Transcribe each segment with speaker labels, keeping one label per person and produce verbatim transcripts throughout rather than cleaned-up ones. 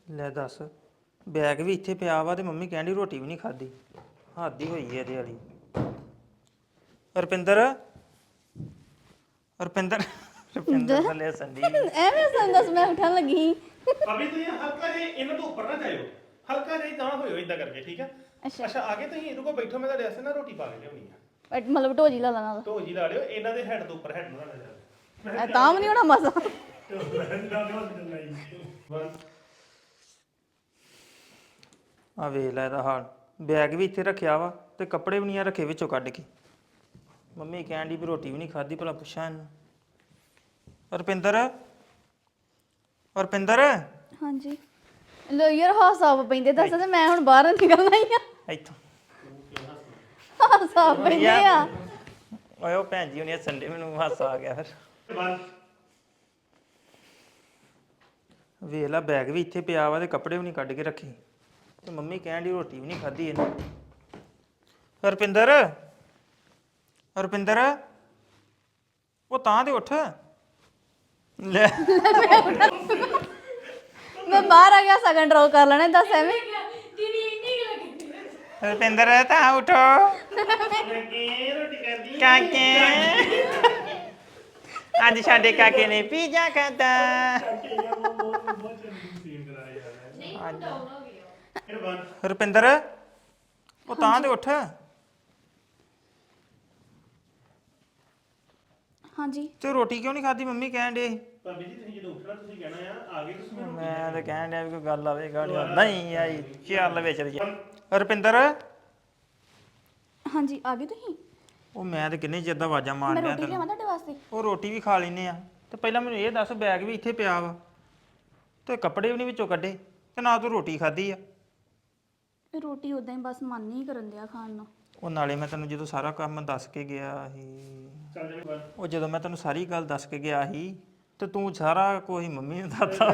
Speaker 1: ਲੈ ਦੱਸ ਬੈਗ ਵੀ ਇੱਥੇ ਪਿਆ ਵਾ ਤੇ ਮੰਮੀ ਕਹਿੰਦੀ ਰੋਟੀ ਵੀ ਨਹੀਂ ਖਾਦੀ ਹੱਦ ਹੀ ਹੋਈ ਹੈ ਇਹਦੇ ਵਾਲੀ ਰੁਪਿੰਦਰ ਰੁਪਿੰਦਰ ਰੁਪਿੰਦਰ ਥੱਲੇ ਸੰਦੀ
Speaker 2: ਐਵੇਂ ਸੰਦਸ ਮੈਂ ਉਠਣ ਲੱਗੀ ਸੀ।
Speaker 3: ਅਭੀ ਤੁਸੀਂ ਹਲਕਾ ਜਿਹਾ ਇਹਨਾਂ ਤੋਂ ਉੱਪਰ ਨਾ ਜਾਇਓ ਹਲਕਾ ਜਿਹਾ ਤਾਂ ਹੋਇਓ ਇਦਾਂ ਕਰਕੇ ਠੀਕ ਆ
Speaker 2: ਅੱਛਾ
Speaker 3: ਅੱਛਾ ਆਗੇ ਤੁਸੀਂ ਇਹਦੇ ਕੋਲ ਬੈਠੋ ਮੈਂ ਤੁਹਾਡੇ ਵਾਸਤੇ ਨਾ ਰੋਟੀ ਪਾ ਕੇ ਲਿਆਉਣੀ ਆ
Speaker 2: ਬਟ ਮਤਲਬ ਢੋਜੀ ਲਾ ਲਾ ਨਾਲ
Speaker 3: ਧੋ ਜੀ ਲਾ ਲਿਓ ਇਹਨਾਂ ਦੇ ਹੈਡ ਤੋਂ ਉੱਪਰ ਹੈਡ ਨੂੰ ਨਾ ਲੈ ਜਾਓ
Speaker 2: ਐ ਤਾਂ ਵੀ ਨਹੀਂ ਹੋਣਾ ਮਜ਼ਾ
Speaker 1: ਆ ਵੇਖ ਲੈ ਇਹਦਾ ਹਾਲ ਬੈਗ ਵੀ ਇੱਥੇ ਰੱਖਿਆ ਵਾ ਤੇ ਕੱਪੜੇ ਵੀ ਨਹੀਂ ਆ ਰੱਖੇ ਵਿੱਚੋਂ ਕੱਢ ਕੇ ਮੰਮੀ ਕਹਿਣ ਦੀ ਵੀ ਰੋਟੀ ਵੀ ਨਹੀਂ ਖਾਦੀ ਭਲਾ ਪੁੱਛਾਂ ਇਹਨੂੰ ਰੁਪਿੰਦਰ ਰੁਪਿੰਦਰ
Speaker 2: ਹਾਂਜੀ ਲੋ ਯਾਰ ਹਾਸਾ ਪੈਂਦੇ ਦੱਸ ਤੇ ਮੈਂ ਹੁਣ ਬਾਹਰ ਨਿਕਲਣਾ ਹੀ ਆ
Speaker 1: ਇੱਥੋਂ
Speaker 2: ਹਾਸਾ ਪੈਂਦੇ ਆ
Speaker 1: ਓਏ ਉਹ ਭੈਣ ਜੀ ਉਹਨੇ ਸੰਡੇ ਮੈਨੂੰ ਹਾਸਾ ਆ ਗਿਆ ਫਿਰ ਵੇਖ ਲੈ ਬੈਗ ਵੀ ਇੱਥੇ ਪਿਆ ਵਾ ਤੇ ਕੱਪੜੇ ਵੀ ਨਹੀਂ ਕੱਢ ਕੇ ਰੱਖੇ ਤੇ ਮੰਮੀ ਕਹਿਣ ਦੀ ਰੋਟੀ ਵੀ ਨਹੀਂ ਖਾਧੀ ਇਹਨੇ ਰੁਪਿੰਦਰ ਰੁਪਿੰਦਰ ਉਹ ਤਾਂ ਤੇ ਉੱਠ ਲੈ
Speaker 2: ਮੈਂ ਬਾਹਰ ਆ ਗਿਆ ਸਗਨ ਡਰਾਅ ਕਰ ਲੈਣਾ ਦੱਸ ਐਵੇਂ
Speaker 1: ਰੁਪਿੰਦਰ ਤਾਂ ਉਠੋ ਕਾਕੇ ਅੱਜ ਸਾਡੇ ਕਾਕੇ ਨੇ ਪੀਜ਼ਾ ਖਾਧਾ ਰੁਪਿੰਦਰ ਉਹ ਤਾਂ ਤੇ ਉੱਠ
Speaker 2: ਹਾਂਜੀ
Speaker 1: ਤੇ ਰੋਟੀ ਕਿਉਂ ਨਹੀਂ ਖਾਧੀ ਮੰਮੀ ਕਹਿਣ ਦੇ
Speaker 3: ਭਾਬੀ ਜੀ ਤੁਸੀਂ ਜਦੋਂ ਉੱਠਣਾ ਤੁਸੀਂ ਕਹਿਣਾ ਆ ਆ ਗਏ ਤੁਸੀਂ
Speaker 1: ਮੈਂ ਤਾਂ ਕਹਿਣ ਡਿਆ ਵੀ ਕੋਈ ਗੱਲ ਆਵੇ ਗਾੜੀ ਨਹੀਂ ਆਈ ਚੱਲ ਵਿੱਚ ਰੁਪਿੰਦਰ
Speaker 2: ਹਾਂਜੀ ਆ ਗਏ ਤੁਸੀਂ
Speaker 1: ਉਹ ਮੈਂ ਤੇ ਕਿੰਨੇ ਚਿਰ ਦਾ ਆਵਾਜ਼ਾਂ ਮਾਰ
Speaker 2: ਮੈਂ
Speaker 1: ਰਿਹਾ
Speaker 2: ਰੋਟੀ
Speaker 1: ਤੈਨੂੰ
Speaker 2: ਲਿਆਵਾਂ ਤੁਹਾਡੇ ਵਾਸਤੇ
Speaker 1: ਉਹ ਰੋਟੀ ਵੀ ਖਾ ਲੈਨੇ ਆ ਤੇ ਪਹਿਲਾਂ ਮੈਨੂੰ ਇਹ ਦੱਸ ਬੈਗ ਵੀ ਇੱਥੇ ਪਿਆ ਵਾ ਤੇ ਕੱਪੜੇ ਵੀ ਨਹੀਂ ਵਿੱਚੋਂ ਕੱਢੇ ਤੇ ਨਾ ਤੂੰ ਰੋਟੀ ਖਾਧੀ ਆ
Speaker 2: ਰੋਟੀ ਉਦਾਂ ਹੀ ਬਸ ਮਨ ਨਹੀਂ ਕਰਨ ਦਿਆ ਖਾਣ ਨੂੰ
Speaker 1: ਉਹ ਨਾਲੇ ਮੈਂ ਤੈਨੂੰ ਜਦੋਂ ਸਾਰਾ ਕੰਮ ਦੱਸ ਕੇ ਗਿਆ ਸੀ
Speaker 3: ਚੱਲ ਜਾਣੇ
Speaker 1: ਉਹ ਜਦੋਂ ਮੈਂ ਤੈਨੂੰ ਸਾਰੀ ਗੱਲ ਦੱਸ ਕੇ ਗਿਆ ਸੀ ਤੇ ਤੂੰ ਸਾਰਾ ਕੋਈ ਮੰਮੀ ਨੂੰ ਦੱਸਦਾ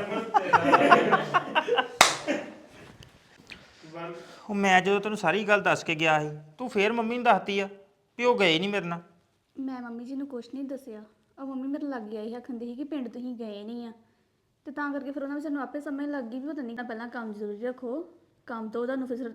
Speaker 1: ਉਹ ਮੈਂ ਜਦੋਂ ਤੈਨੂੰ ਸਾਰੀ ਗੱਲ ਦੱਸ ਕੇ ਗਿਆ ਸੀ ਤੂੰ ਫੇਰ ਮੰਮੀ ਨੂੰ ਦੱਸਤੀ ਆ ਵੀ ਉਹ ਗਏ ਨਹੀਂ ਮੇਰੇ ਨਾਲ
Speaker 2: ਮੈਂ ਮੰਮੀ ਜੀ ਨੂੰ ਕੁਛ ਨਹੀਂ ਦੱਸਿਆ ਉਹ ਮੰਮੀ ਮੇਰੇ ਲੱਗ ਆਈ ਆਖੰਦੀ ਸੀ ਕਿ ਪਿੰਡ ਤੁਸੀਂ ਗਏ ਨਹੀਂ ਆ ਤੇ ਤਾਂ ਕਰਕੇ ਫਿਰ ਉਹਨਾਂ ਵਿੱਚ ਸਾਨੂੰ ਆਪੇ ਸਮਝ ਲੱਗ ਗਈ ਵੀ ਪਤਾ ਨਹੀਂ ਤਾਂ ਪਹਿਲਾਂ ਕੰਮ ਜ਼ਰੂਰੀ ਰੱਖੋ ਕੰਮ ਤੋਂ ਤੁਹਾਨੂੰ ਫਿਰ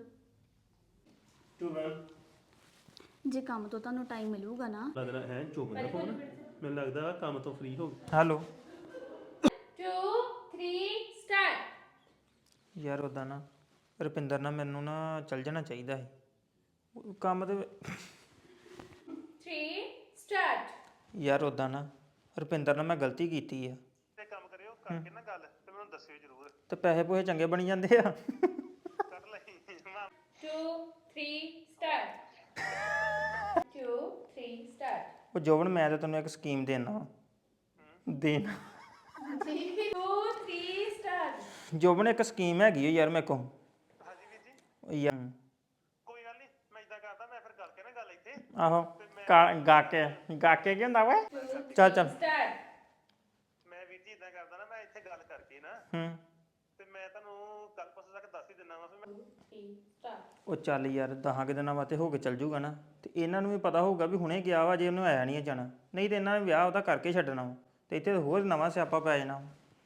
Speaker 2: ਜੇ ਕੰਮ ਤੋਂ ਤੁਹਾਨੂੰ ਟਾਈਮ ਮਿਲੂਗਾ ਨਾ
Speaker 3: ਲੱਗਦਾ ਹੈ ਚੁੱਪ ਨਾ ਫੋਨ ਮੈਨੂੰ ਲੱਗਦਾ ਕੰਮ ਤੋਂ ਫ੍ਰੀ ਹੋ ਗਿਆ
Speaker 1: ਹੈਲੋ
Speaker 4: two, three, start.
Speaker 1: ਯਾਰ ਉਦਾਂ ਨਾ ਰੁਪਿੰਦਰ ਨਾਲ ਮੈਨੂੰ ਨਾ ਚੱਲ ਜਾਣਾ ਚਾਹੀਦਾ ਸੀ ਉਹ ਕੰਮ ਤੇ
Speaker 4: Three, start.
Speaker 1: ਯਾਰ ਉਦਾਂ ਨਾ ਰੁਪਿੰਦਰ ਨਾਲ ਮੈਂ ਗਲਤੀ ਕੀਤੀ ਆ
Speaker 3: ਤੇ ਕੰਮ ਕਰਿਓ ਕਰਕੇ ਨਾ ਗੱਲ ਤੇ ਮੈਨੂੰ ਦੱਸਿਓ ਜ਼ਰੂਰ
Speaker 1: ਤੇ ਪੈਸੇ ਪੂਸੇ ਚੰਗੇ ਬਣੀ ਜਾਂਦੇ ਆ
Speaker 3: ਕੱਢ ਲਈ
Speaker 4: Two, three, start. Two, three, start.
Speaker 1: ਉਹ ਜੋਬਨ ਮੈਂ ਤਾਂ ਤੈਨੂੰ ਇੱਕ ਸਕੀਮ ਦੇਣਾ ਦੇਣਾ
Speaker 4: Two, three, start.
Speaker 1: ਜੋਬਨ ਇੱਕ ਸਕੀਮ ਹੈਗੀ ਓ ਯਾਰ ਮੇਰੇ ਕੋਲ
Speaker 3: ਹਾਂਜੀ ਵੀਰ ਜੀ
Speaker 1: ਉਹ ਯਾਰ
Speaker 3: ਕੋਈ ਗੱਲ ਨਹੀਂ ਮੈਂ ਇਦਾਂ ਕਰਦਾ ਮੈਂ ਫਿਰ ਕਰਕੇ ਨਾ ਗੱਲ ਇੱਥੇ
Speaker 1: ਆਹੋ ਕਾ- ਗਾ ਕੇ ਗਾ ਕੇ ਕੀ ਹੁੰਦਾ ਵਾ ਚੱਲ ਚੱਲ
Speaker 4: Start.
Speaker 3: ਮੈਂ ਵੀਰ ਜੀ ਇਦਾਂ ਕਰਦਾ ਨਾ ਮੈਂ ਇੱਥੇ ਗੱਲ ਕਰਕੇ ਨਾ
Speaker 1: ਹੂੰ
Speaker 3: ਤੇ ਮੈਂ ਤੁਹਾਨੂੰ ਕੱਲ ਪਰਸੋਂ ਤੱਕ ਦੱਸ ਹੀ ਦਿੰਦਾ ਵਾ ਫਿਰ ਮੈਂ
Speaker 4: Three, start.
Speaker 1: ਉਹ ਚੱਲ ਯਾਰ ਦਸਾਂ ਕੁ ਦਿਨਾਂ ਵਾਸਤੇ ਹੋ ਕੇ ਚੱਲ ਜੂਗਾ ਨਾ ਤੇ ਇਹਨਾਂ ਨੂੰ ਵੀ ਪਤਾ ਹੋਊਗਾ ਵੀ ਹੁਣੇ ਗਿਆ ਵਾ ਜੇ ਉਹਨੂੰ ਆਇਆ ਨਹੀਂ ਜਾਣਾ ਨਹੀਂ ਤੇ ਇਹਨਾਂ ਨੇ ਵਿਆਹ ਉਹਦਾ ਕਰਕੇ ਛੱਡਣਾ ਵਾ ਤੇ ਇੱਥੇ ਹੋਰ ਨਵਾਂ ਸਿਆਪਾ ਪੈ ਜਾਣਾ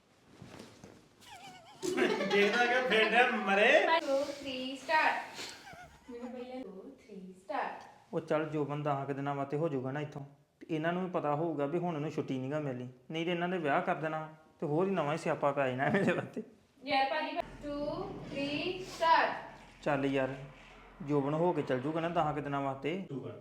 Speaker 3: ਦੇਖਦਾ ਕਿ ਫੇਂਡਿਆ ਮਰੇ
Speaker 4: Two, three, start. Two, three, start.
Speaker 1: ਉਹ ਚੱਲ ਜੋਬਨ ਦਸਾਂ ਕੁ ਦਿਨਾਂ ਵਾਸਤੇ ਹੋ ਜਾਊਗਾ ਨਾ ਇੱਥੋਂ ਤੇ ਇਹਨਾਂ ਨੂੰ ਵੀ ਪਤਾ ਹੋਊਗਾ ਵੀ ਹੁਣ ਉਹਨੂੰ ਛੁੱਟੀ ਨਹੀਂਗਾ ਮਿਲਣੀ ਨਹੀਂ ਤੇ ਇਹਨਾਂ ਦੇ ਵਿਆਹ ਕਰ ਦੇਣਾ ਤੇ ਹੋਰ ਹੀ ਨਵਾਂ ਹੀ ਸਿਆਪਾ ਪੈ ਜਾਣਾ ਇਹਦੇ ਵਾਸਤੇ
Speaker 4: Yeah, Paji. Two, three, start.
Speaker 1: ਚੱਲ ਯਾਰ ਜੋਬਨ ਹੋ ਕੇ ਚੱਲ ਜੂਗਾ ਨਾ ਦਸਾਂ ਕੁ ਦਿਨਾਂ ਵਾਸਤੇ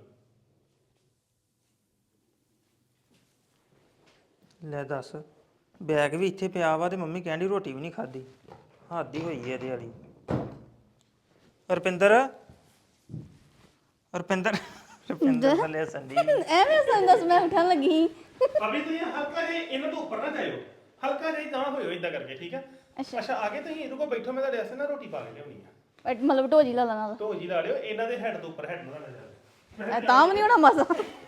Speaker 1: ਲੈ ਦੱਸ ਬੈਗ ਵੀ ਇੱਥੇ ਪਿਆ ਵਾ ਤੇ ਮੰਮੀ ਕਹਿੰਦੀ ਰੋਟੀ ਵੀ ਨਹੀਂ ਖਾਦੀ ਹੱਦ ਹੀ ਹੋਈ ਹੈ ਇਹਦੇ ਵਾਲੀ ਰੁਪਿੰਦਰ ਰੁਪਿੰਦਰ ਰੁਪਿੰਦਰ ਥੱਲੇ ਸੰਦੀ
Speaker 2: ਐਵੇਂ ਸੰਦਸ ਮੈਂ ਉਠਣ ਲੱਗੀ ਸੀ।
Speaker 3: ਅਭੀ ਤੁਸੀਂ ਹਲਕਾ ਜਿਹਾ ਇਹਨਾਂ ਤੋਂ ਉੱਪਰ ਨਾ ਜਾਇਓ ਹਲਕਾ ਜਿਹਾ ਤਾਂ ਹੋਇਓ ਇਦਾਂ ਕਰਕੇ ਠੀਕ ਆ
Speaker 2: ਅੱਛਾ
Speaker 3: ਅੱਛਾ ਆਗੇ ਤੁਸੀਂ ਇਹਦੇ ਕੋਲ ਬੈਠੋ ਮੈਂ ਤੁਹਾਡੇ ਵਾਸਤੇ ਨਾ ਰੋਟੀ ਪਾ ਕੇ ਲਿਆਉਣੀ ਆ
Speaker 2: ਬਟ ਮਤਲਬ ਢੋਜੀ ਲਾ ਲਾ ਨਾਲ
Speaker 3: ਧੋ ਜੀ ਲਾ ਲਿਓ ਇਹਨਾਂ ਦੇ ਹੈਡ ਤੋਂ ਉੱਪਰ ਹੈਡ ਨੂੰ ਨਾ ਲੈ ਜਾਓ
Speaker 2: ਐ ਤਾਂ ਵੀ ਨਹੀਂ ਹੋਣਾ ਮਜ਼ਾ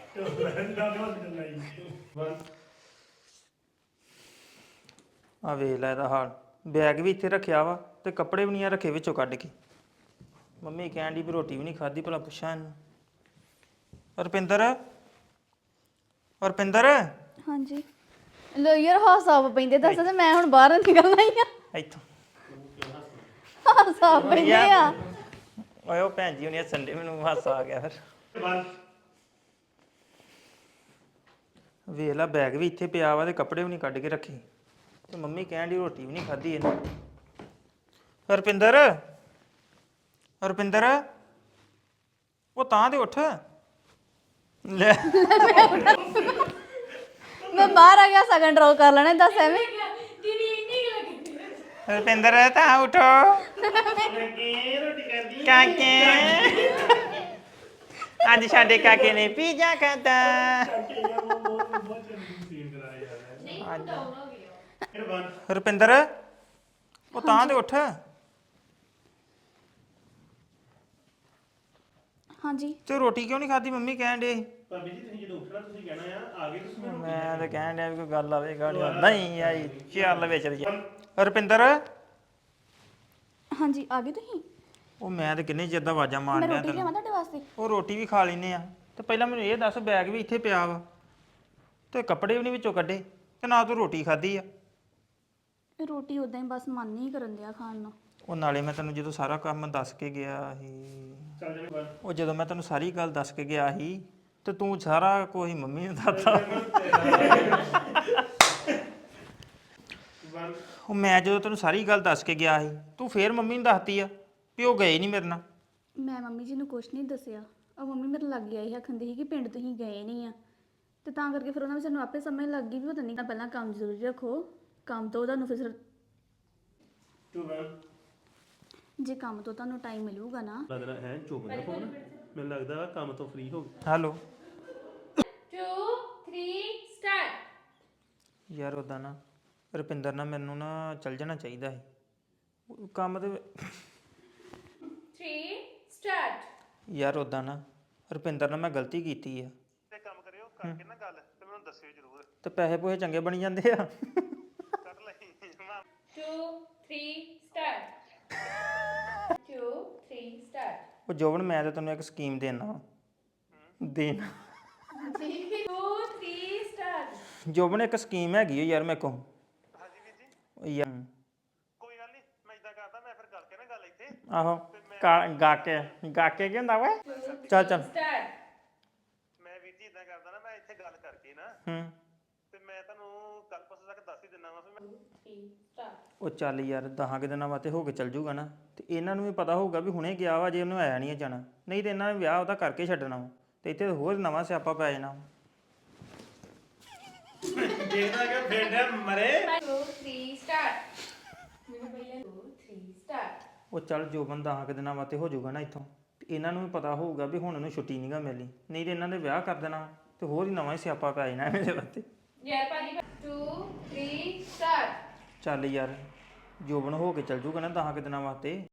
Speaker 1: ਆ ਵੇਖ ਲੈ ਇਹਦਾ ਹਾਲ ਬੈਗ ਵੀ ਇੱਥੇ ਰੱਖਿਆ ਵਾ ਤੇ ਕੱਪੜੇ ਵੀ ਨਹੀਂ ਆ ਰੱਖੇ ਵਿੱਚੋਂ ਕੱਢ ਕੇ ਮੰਮੀ ਕਹਿਣ ਦੀ ਵੀ ਰੋਟੀ ਵੀ ਨਹੀਂ ਖਾਦੀ ਭਲਾ ਪੁੱਛਾਂ ਇਹਨੂੰ ਰੁਪਿੰਦਰ ਰੁਪਿੰਦਰ
Speaker 2: ਹਾਂਜੀ ਲੋ ਯਾਰ ਹਾਸਾ ਪੈਂਦੇ ਦੱਸ ਤੇ ਮੈਂ ਹੁਣ ਬਾਹਰ ਨਿਕਲਣਾ ਹੀ ਆ
Speaker 1: ਇੱਥੋਂ
Speaker 2: ਸਾਫ ਬਣੇ ਆ
Speaker 1: ਓਏ ਉਹ ਭੈਣ ਜੀ ਉਹਨੇ ਸੰਡੇ ਮੈਨੂੰ ਹਾਸਾ ਆ ਗਿਆ ਫਿਰ
Speaker 3: ਵਨ
Speaker 1: ਵੇਖ ਲਾ ਬੈਗ ਵੀ ਇੱਥੇ ਪਿਆ ਵਾ ਤੇ ਕੱਪੜੇ ਵੀ ਨਹੀਂ ਕੱਢ ਕੇ ਰੱਖੇ ਤੇ ਮੰਮੀ ਕਹਿਣ ਦੀ ਰੋਟੀ ਵੀ ਨਹੀਂ ਖਾਧੀ ਇਹਨੇ ਰੁਪਿੰਦਰ ਰੁਪਿੰਦਰ ਉਹ ਤਾਂ ਤੇ ਉੱਠ ਲੈ
Speaker 2: ਮੈਂ ਬਾਹਰ ਆ ਗਿਆ ਸਗਨ ਡਰਾਅ ਕਰ ਲੈਣਾ ਦੱਸ ਐਵੇਂ
Speaker 4: ਦੀਦੀ ਇੰਨੀ ਕੁ ਲੱਗੀ
Speaker 1: ਰੁਪਿੰਦਰ ਤਾਂ ਉਠੋ
Speaker 3: ਲੱਗੇ ਰੋਟੀ ਖਾਂਦੀ
Speaker 1: ਕਾਕੇ ਅੱਜ ਸਾਡੇ ਕਾਕੇ ਨੇ ਪੀਜ਼ਾ ਖਾਧਾ
Speaker 4: ਨਹੀਂ ਹੁਣ ਡਾਊਨ ਹੋ ਗਿਆ
Speaker 3: ਫਿਰ ਵਨ
Speaker 1: ਰੁਪਿੰਦਰ ਉਹ ਤਾਂ ਤੇ ਉੱਠ
Speaker 2: ਹਾਂਜੀ
Speaker 1: ਤੇ ਰੋਟੀ ਕਿਉਂ ਨਹੀਂ ਖਾਧੀ ਮੰਮੀ ਕਹਿਣ ਦੇ
Speaker 3: ਭਾਬੀ ਜੀ ਤੁਸੀਂ ਜਦੋਂ ਉੱਠਣਾ ਤੁਸੀਂ ਕਹਿਣਾ ਆ ਆ ਗਏ ਤੁਸੀਂ ਮੈਨੂੰ
Speaker 1: ਮੈਂ ਤਾਂ ਕਹਿਣ ਡਿਆ ਵੀ ਕੋਈ ਗੱਲ ਆਵੇ ਗਾੜੀ ਨਹੀਂ ਆਈ ਚੱਲ ਵਿੱਚ ਰੁਪਿੰਦਰ
Speaker 2: ਹਾਂਜੀ ਆ ਗਏ ਤੁਸੀਂ
Speaker 1: ਉਹ ਮੈਂ ਤੇ ਕਿੰਨੇ ਚਿਰ ਦਾ ਆਵਾਜ਼ਾਂ ਮਾਰ
Speaker 2: ਮੈਂ
Speaker 1: ਰਿਹਾ
Speaker 2: ਰੋਟੀ
Speaker 1: ਤੈਨੂੰ
Speaker 2: ਲਿਆਵਾਂ ਤੁਹਾਡੇ ਵਾਸਤੇ
Speaker 1: ਉਹ ਰੋਟੀ ਵੀ ਖਾ ਲੈਨੇ ਆ ਤੇ ਪਹਿਲਾਂ ਮੈਨੂੰ ਇਹ ਦੱਸ ਬੈਗ ਵੀ ਇੱਥੇ ਪਿਆ ਵਾ ਤੇ ਕੱਪੜੇ ਵੀ ਨਹੀਂ ਵਿੱਚੋਂ ਕੱਢੇ ਤੇ ਨਾ ਤੂੰ ਰੋਟੀ ਖਾਧੀ ਆ
Speaker 2: ਰੋਟੀ ਉਦਾਂ ਹੀ ਬਸ ਮਨ ਨਹੀਂ ਕਰਨ ਦਿਆ ਖਾਣ ਨੂੰ
Speaker 1: ਉਹ ਨਾਲੇ ਮੈਂ ਤੈਨੂੰ ਜਦੋਂ ਸਾਰਾ ਕੰਮ ਦੱਸ ਕੇ ਗਿਆ ਸੀ
Speaker 3: ਚੱਲ ਜਾਵੇ ਵਨ
Speaker 1: ਉਹ ਜਦੋਂ ਮੈਂ ਤੈਨੂੰ ਸਾਰੀ ਗੱਲ ਦੱਸ ਕੇ ਗਿਆ ਸੀ ਤੇ ਤੂੰ ਸਾਰਾ ਕੋਈ ਮੰਮੀ ਨੂੰ ਦੱਸਦਾ
Speaker 3: ਵਨ
Speaker 1: ਉਹ ਮੈਂ ਜਦੋਂ ਤੈਨੂੰ ਸਾਰੀ ਗੱਲ ਦੱਸ ਕੇ ਗਿਆ ਸੀ ਤੂੰ ਫੇਰ ਮੰਮੀ ਨੂੰ ਦੱਸਤੀ ਆ ਵੀ ਉਹ ਗਏ ਨਹੀਂ ਮੇਰੇ ਨਾਲ
Speaker 2: ਮੈਂ ਮੰਮੀ ਜੀ ਨੂੰ ਕੁਝ ਨਹੀਂ ਦੱਸਿਆ ਉਹ ਮੰਮੀ ਮੇਰੇ ਲੱਗ ਆਈ ਆਖੰਦੀ ਸੀ ਕਿ ਪਿੰਡ ਤੁਸੀਂ ਗਏ ਨਹੀਂ ਆ ਤੇ ਤਾਂ ਕਰਕੇ ਫਿਰ ਉਹਨਾਂ ਵਿੱਚ ਸਾਨੂੰ ਆਪੇ ਸਮਝ ਲੱਗ ਗਈ ਵੀ ਪਤਾ ਨਹੀਂ ਪਹਿਲਾਂ ਕੰਮ ਜ਼ਰੂਰੀ ਰੱਖੋ ਕੰਮ ਤੋਂ ਤੁਹਾਨੂੰ ਫਿਰ
Speaker 3: ਟੂ ਵਨ
Speaker 2: ਜੇ ਕੰਮ ਤੋਂ ਤੁਹਾਨੂੰ ਟਾਈਮ ਮਿਲੂਗਾ ਨਾ
Speaker 3: ਲੱਗਦਾ ਹੈ ਚੁੱਪ ਨਾ ਫੋਨ ਮੈਨੂੰ ਲੱਗਦਾ ਕੰਮ ਤੋਂ ਫ੍ਰੀ ਹੋ ਗਿਆ
Speaker 1: ਹੈਲੋ
Speaker 4: two three start
Speaker 1: ਯਾਰ ਉਦਾਂ ਨਾ ਰੁਪਿੰਦਰ ਨਾਲ ਮੈਨੂੰ ਨਾ ਚੱਲ ਜਾਣਾ ਚਾਹੀਦਾ ਸੀ ਉਹ ਕੰਮ ਤੇ
Speaker 4: three start
Speaker 1: ਯਾਰ ਉਦਾਂ ਨਾ ਰੁਪਿੰਦਰ ਨਾਲ ਮੈਂ ਗਲਤੀ ਕੀਤੀ ਆ
Speaker 3: ਤੇ ਕੰਮ ਕਰਿਓ ਕਰਕੇ ਨਾ ਗੱਲ ਤੇ ਮੈਨੂੰ ਦੱਸਿਓ ਜ਼ਰੂਰ
Speaker 1: ਤੇ ਪੈਸੇ ਪੋਹੇ ਚੰਗੇ ਬਣੀ ਜਾਂਦੇ ਆ
Speaker 3: ਕੱਢ ਲਈ
Speaker 4: two three start two three start
Speaker 1: ਉਹ ਜੋਬਨ ਮੈਂ ਤਾਂ ਤੈਨੂੰ ਇੱਕ ਸਕੀਮ ਦੇਣਾ ਦੇਣਾ
Speaker 4: two three start
Speaker 1: ਜੋਬਨ ਇੱਕ ਸਕੀਮ ਹੈਗੀ ਓ ਯਾਰ ਮੇਰੇ ਕੋਲ
Speaker 3: ਹਾਂਜੀ ਵੀਰ ਜੀ
Speaker 1: ਉਹ ਯਾਰ
Speaker 3: ਕੋਈ ਗੱਲ ਨਹੀਂ ਮੈਂ ਇਦਾਂ ਕਰਦਾ ਮੈਂ ਫਿਰ ਕਰਕੇ ਨਾ ਗੱਲ ਇੱਥੇ
Speaker 1: ਆਹੋ ਕਾ- ਗਾ ਕੇ ਗਾ ਕੇ ਕੀ ਹੁੰਦਾ ਓਏ ਚੱਲ ਚੱਲ
Speaker 4: start
Speaker 3: ਮੈਂ ਵੀਰ ਜੀ ਇਦਾਂ ਕਰਦਾ ਨਾ ਮੈਂ ਇੱਥੇ ਗੱਲ ਕਰਕੇ ਨਾ
Speaker 1: ਹੂੰ
Speaker 3: ਤੇ ਮੈਂ ਤੁਹਾਨੂੰ ਕੱਲ ਪਰਸੋਂ ਤੱਕ ਦੱਸ ਹੀ ਦਿੰਦਾ ਵਾ ਫਿਰ ਮੈਂ
Speaker 4: three start
Speaker 1: ਉਹ ਚੱਲ ਯਾਰ ਦਸਾਂ ਕੁ ਦਿਨਾਂ ਵਾਸਤੇ ਹੋ ਕੇ ਚੱਲ ਜੂਗਾ ਨਾ ਤੇ ਇਹਨਾਂ ਨੂੰ ਵੀ ਪਤਾ ਹੋਊਗਾ ਵੀ ਹੁਣੇ ਗਿਆ ਵਾ ਜੇ ਉਹਨੂੰ ਆਇਆ ਨਹੀਂ ਜਾਣਾ ਨਹੀਂ ਤੇ ਇਹਨਾਂ ਨੇ ਵਿਆਹ ਉਹਦਾ ਕਰਕੇ ਛੱਡਣਾ ਵਾ ਤੇ ਇੱਥੇ ਹੋਰ ਨਵਾਂ ਸਿਆਪਾ ਪੈ ਜਾਣਾ
Speaker 3: ਦੇਖਦਾ ਕਿ ਫੇਂਡਿਆ ਮਰੇ
Speaker 4: two three start ਮੈਨੂੰ ਪਹਿਲਾਂ two three start
Speaker 1: ਉਹ ਚੱਲ ਜੋਬਨ ਦਸਾਂ ਕੁ ਦਿਨਾਂ ਵਾਸਤੇ ਹੋ ਜਾਊਗਾ ਨਾ ਇੱਥੋਂ ਤੇ ਇਹਨਾਂ ਨੂੰ ਵੀ ਪਤਾ ਹੋਊਗਾ ਵੀ ਹੁਣ ਉਹਨੂੰ ਛੁੱਟੀ ਨਹੀਂਗਾ ਮਿਲਣੀ ਨਹੀਂ ਤੇ ਇਹਨਾਂ ਦੇ ਵਿਆਹ ਕਰ ਦੇਣਾ ਤੇ ਹੋਰ ਹੀ ਨਵਾਂ ਹੀ ਸਿਆਪਾ ਪੈ ਜਾਣਾ ਇਹਦੇ ਵਾਸਤੇ
Speaker 4: ਯਾਰ ਭਾਜੀ two three start
Speaker 1: ਚੱਲ ਯਾਰ ਜੋਬਨ ਹੋ ਕੇ ਚੱਲ ਜੂਗਾ ਨਾ ਦਸਾਂ ਕੁ ਦਿਨਾਂ ਵਾਸਤੇ